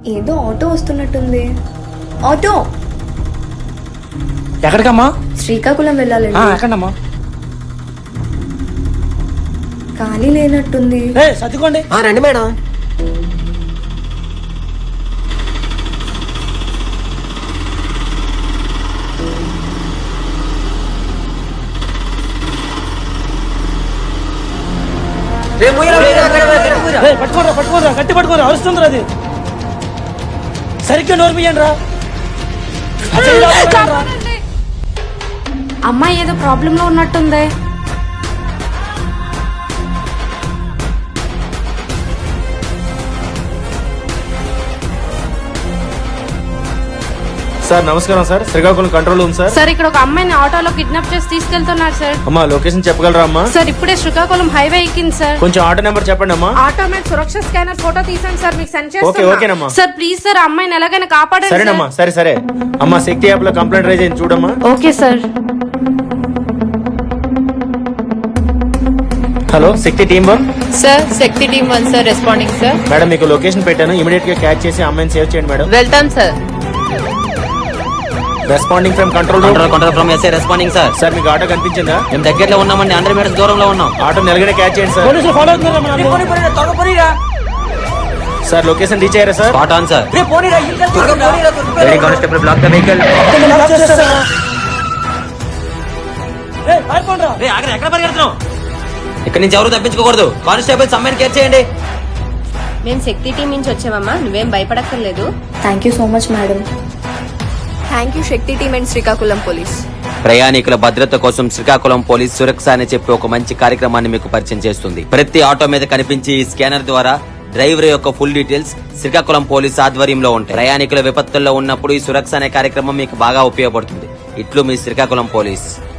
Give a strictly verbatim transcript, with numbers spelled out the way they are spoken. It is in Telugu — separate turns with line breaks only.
ఏదో ఆటో వస్తున్నట్టుంది. ఆటో
ఎక్కడికమ్మా?
శ్రీకాకుళం వెళ్ళాలండి.
ఎక్కడమ్మా?
ఖాళీ లేనట్టుంది.
సర్దుకోండి.
రండి మేడం.
పట్టుకోరా పట్టుకోరా గట్టి పట్టుకోరా, అరుస్తుందిరా అది. సరిగ్గా నోర్మియండి రా.
అమ్మాయి ఏదో ప్రాబ్లం లో ఉన్నట్టుంది.
సార్ నమస్కారం sir, Srikakulam control room sir.
Sir ఇక్కడ ఒక అమ్మాయిని ఆటోలో కిడ్నాప్ చేసి తీసుకెళ్తున్నారు సార్.
అమ్మా లొకేషన్ చెప్పగలరా అమ్మా?
సార్ ఇప్పుడే శ్రీకాకుళం హైవే ఎక్కింది సార్.
కొంచెం ఆటో నెంబర్ చెప్పండి అమ్మా.
ఆటో మీద సురక్ష స్కానర్ ఫోటో తీసాను సార్, మీకు సెండ్
ఓకే ఓకేనమ్మా.
చేస్తాను సార్. ప్లీజ్ సార్ అమ్మాయిని ఎలాగైనా కాపాడండి.
సరేనమ్మా, సరే సరే అమ్మా. శక్తి యాప్ లో కంప్లైంట్ రైజ్ అయింది చూడమ్మా.
Okay sir.
Hello Shakti team one
sir. Shakti team one sir, responding sir.
Madam మీకు లొకేషన్ పెట్టాను, ఇమీడియట్ గా క్యాచ్ చేసి అమ్మాయిని సేవ్ చేయండి మేడం.
వెళ్తాం sir.
Responding from control room.
Control from SI responding sir.
Sir మీకు ఆటో కనిపించిందా?
మేము దగ్గరలో ఉన్నామండి, హండ్రెడ్ మీటర్స్ దూరంలో ఉన్నాం.
ఆటో నెలగానే క్యాచ్ చేయండి సార్.
పోలీసులు ఫాలో అవుతున్నారా?
సార్ లొకేషన్ రీచ్ అయ్యారా sir?
Spot on sir. Lady constable block the vehicle. ఎక్కడ పరిగెడుతున్నాం? ఇక్కడ నుంచి ఎవరు తప్పించుకోకూడదు. కానిస్టేబుల్ అమ్మాయిని కేర్ చేయండి.
మేము శక్తి టీం నుంచి వచ్చామమ్మా, నువ్వేం భయపడక్కర్లేదు.
Thank you so much madam.
Thank you Shakti team and Srikakulam police.
ప్రయాణికుల భద్రత కోసం శ్రీకాకుళం పోలీస్ సురక్ష అని చెప్పి ఒక మంచి కార్యక్రమాన్ని మీకు పరిచయం చేస్తుంది. ప్రతి ఆటో మీద కనిపించి ఈ స్కానర్ ద్వారా డ్రైవర్ యొక్క ఫుల్ డీటెయిల్స్ శ్రీకాకుళం పోలీస్ ఆధ్వర్యంలో ఉంటాయి. ప్రయాణికుల విపత్తుల్లో ఉన్నప్పుడు ఈ సురక్ష అనే కార్యక్రమం మీకు బాగా ఉపయోగపడుతుంది. ఇట్లు మీ శ్రీకాకుళం పోలీస్.